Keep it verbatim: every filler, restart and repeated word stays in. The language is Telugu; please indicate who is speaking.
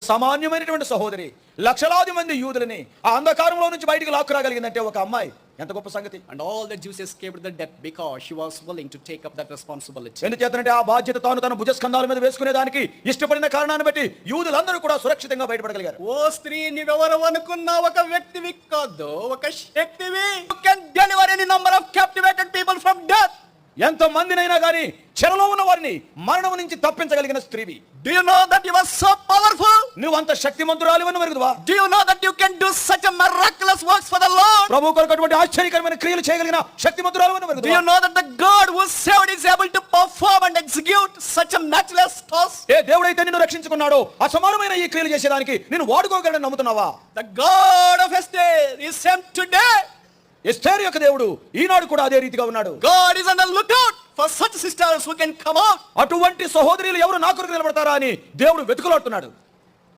Speaker 1: సామాన్యమైనటువంటి సహోదరి లక్షలాది మంది యూదులని ఆ అంధకారంలో నుంచి బయటికి లాక్కురాగలిగిందంటే ఒక అమ్మాయి ఎంత గొప్ప సంగతి.
Speaker 2: And all the Jews escaped the death because she was willing to take up that responsibility.
Speaker 1: ఎందుచేతనంటే ఆ బాధ్యత తాను తన భుజస్కంధాల మీద వేసుకునే దానికి ఇష్టపడిన కారణాన్ని బట్టి యూదులందరూ కూడా సురక్షితంగా బయటపడగలిగారు.
Speaker 2: ఓ స్త్రీ, నీవెవరు అనుకున్నా ఒక వ్యక్తివి కాదు, ఒక శక్తివి. You can deliver any number of captivated people from death.
Speaker 1: ఎంత మందినైనా గాని చెరలో ఉన్న వారిని మరణం నుంచి తప్పించగలిగిన స్త్రీవి.
Speaker 2: Do you know that you are so powerful?
Speaker 1: నువ్వు అంత శక్తిమంతురాలివని ఎరుగుదువా?
Speaker 2: Do you know that you can do such a miraculous works for the Lord?
Speaker 1: ప్రభు కొరకు అటువంటి ఆశ్చర్యకరమైన క్రియలు చేయగలిగిన శక్తిమంతురాలివని ఎరుగుదువా?
Speaker 2: Do you know that the God who saved is able to perform and execute such a matchless task?
Speaker 1: ఏ దేవుడైతే నిన్ను రక్షించుకున్నాడో అసమానమైన ఈ క్రియలు చేసేదానికి నిన్ను వాడుకోగలడని నమ్ముతున్నావా?
Speaker 2: The God of Esther is same today.
Speaker 1: ఎస్తేరు యొక్క దేవుడు ఈనాడు కూడా అదే రీతిగా ఉన్నాడు.
Speaker 2: God is on the lookout for such sisters who can come out.
Speaker 1: అటువంటి సహోదరులు ఎవరు నా కొరకు నిలబడతారా అని దేవుడు వెతుకులాడుతున్నాడు.